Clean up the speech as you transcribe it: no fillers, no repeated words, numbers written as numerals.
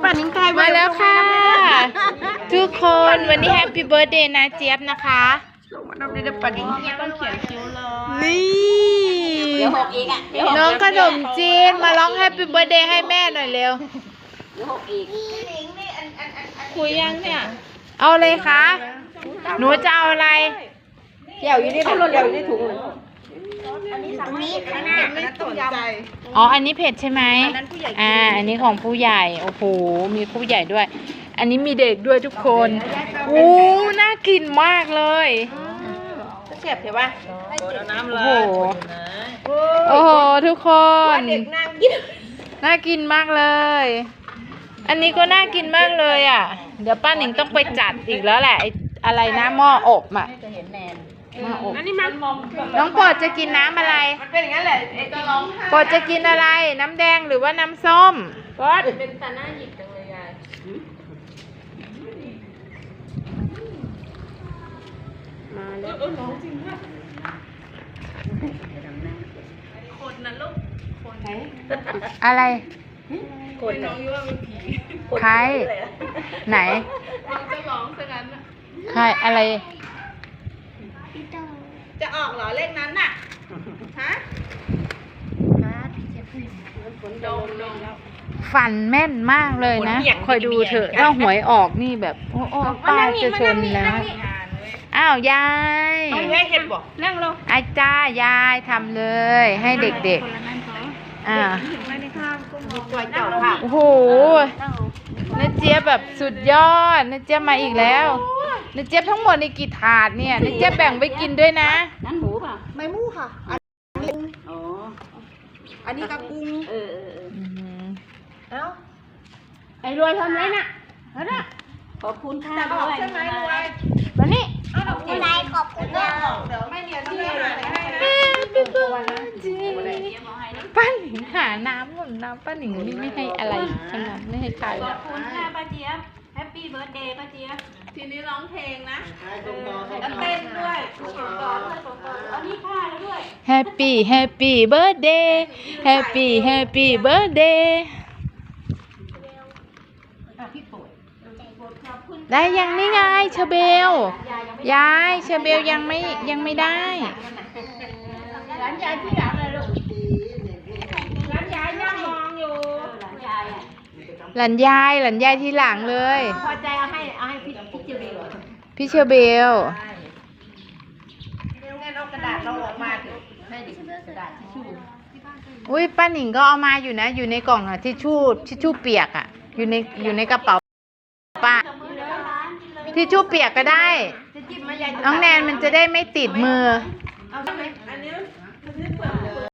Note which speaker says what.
Speaker 1: ป่านิ้งตาย
Speaker 2: มาแล้วค่ะ ทุกคนวันนี้แฮปปี้เบิร์ดเดย์นะเจี๊ยบนะคะ
Speaker 1: มาทำได้ป่านิ้งต้องเขียนคิ้วเลย
Speaker 2: นี่
Speaker 3: เดี๋ยวหกอีกอ่ะเดี๋ยวหก
Speaker 2: น้องขนมจีนมาร้องแฮปปี้เบิร์ดเดย์ให้แม่หน่อยเร็ว
Speaker 3: เดี๋ยวหกอีก
Speaker 2: คุยยังเนี่ยเอาเลยคะหนูจะเอาอะไร
Speaker 3: เกี่ยวอยู่ในถุงเกี่ยวอยู่ในถุง
Speaker 1: ตรงนี้ข้างหน้าไม่สนใจ
Speaker 2: อ๋ออันนี้เผ็ดใช่ไหมอันนี้ของผู้ใหญ่โอ้โหมีผู้ใหญ่ด้วย อันนี้มีเด็กด้วยทุกคนโอ้น่ากินมากเลย
Speaker 1: เสียบใช่ป่ะ
Speaker 2: โอ้โหโอ้โหทุกคน
Speaker 1: เด็กนั่งกิน
Speaker 2: น่ากินมากเลย อันนี้ก็น่ากินมากเลยอ่ะเดี๋ยวป้าหนิงต้องไปจัดอีกแล้วแหละไอ้อะไรนะหม้ออบอ่ะหม้ออบน้องโปรดจะกินน้ำอะไร
Speaker 1: มันเป็นอย่างนั้นแหละไอ้จะร้องไห้
Speaker 2: โปรดจะกินอะไรน้ำแดงหรือว่าน้ำส้ม
Speaker 1: ก็เป็นตาหน้าหยิกจังเลยยายมาแล้วร้องจริงค่ะคนนะลูกคนไหน
Speaker 2: อะไร
Speaker 1: คนน้องยุ่ว่าเป็นผี
Speaker 2: ใครไหน
Speaker 1: น้องจะร้องซะงั้น
Speaker 2: ใครอะไร
Speaker 1: จะออกเหรอเลขนั้นน่ะฮะดมแล้ว
Speaker 2: ฝันแม่นมากเลยนะ
Speaker 1: ผลเบี่ยง
Speaker 2: คอยดูเถอะถ้าหวยออกนี่แบบโอ้โอ้ป้าจะชนแล้วอ้าวยาย
Speaker 1: เอาแม่เห็ดบอกนั่งลง
Speaker 2: อาจ้ายายทำเลย ให้เด็กๆ
Speaker 1: ไม่ได้ข้ามก็มองปล่อยเจ้าค่ะ
Speaker 2: โอ้โหนาเจี๊ยบแบบสุดยอดนาเจี๊ยบมาอีกแล้วนาเจี๊ยบทั้งหมดในกี่ถาดเนี่ยนาเจี๊ยบแบ่งไว้กินด้วยนะ
Speaker 3: นั่นหมูป่ะ
Speaker 1: ไม่มู่ค่ะ
Speaker 3: อ๋อ
Speaker 1: อันนี้กระกุ้ง
Speaker 3: เออ
Speaker 1: เอ้า
Speaker 2: ไอ้รวยทำไรน่ะแล้วน่ะ
Speaker 3: ขอบคุณค่ะ
Speaker 1: จะอ
Speaker 3: ด้
Speaker 1: อก
Speaker 3: วย
Speaker 1: ใช่ไหมรวย
Speaker 2: มานี่
Speaker 1: อะไรขอบคุณนะเดี๋ยวไม่เรียนที่ไหนให้นะ
Speaker 2: ป้าหนิงหาน้ำหมดน้ำป้าหนิงนี่ไม่ให้อะไรขนาดไม่ให้ใคร
Speaker 3: ขอบคุณค่ะป้าเจี๊ยบแฮปปี้เบิร์ดเดย์ป้าเจี๊ยบ
Speaker 1: ทีนี้ร้องเพลงนะแล้วเต้นด้วย
Speaker 3: อันนี้ค่ะแล้วด้วย
Speaker 2: แฮปปี้แฮปปี้เบิร์ดเดย์แฮปปี้แฮปปี้เบิร์ดเดย์ได้ยังนี่ไงเชอเบลยายเชอเบลยังไม่ได้
Speaker 1: ร้านยายที่หลังเลยลูกร้านยายนั่งมองอยู่
Speaker 3: หลานยายอ่ะ
Speaker 2: หลานยายที่หลังเลย
Speaker 3: พอใจเอาให้พี่เจเบล
Speaker 2: พี่เชอเบล
Speaker 1: เดี๋ยวงั้นเอากระดาษเราออกมาเถอะ
Speaker 3: ให้ดิกระดาษทิชชู่
Speaker 2: อุ้ยป้าหนิงก็เอามาอยู่นะอยู่ในกล่องอะทิชชู่เปียกอะอยู่ในกระเป๋าป้าทิชชู่เปียกก็ได้
Speaker 1: จะจิ้มมายาย
Speaker 2: น้องแนนมันจะได้ไม่ติดมือ
Speaker 1: เอาใช่ไหมอันนี้มันเปลือก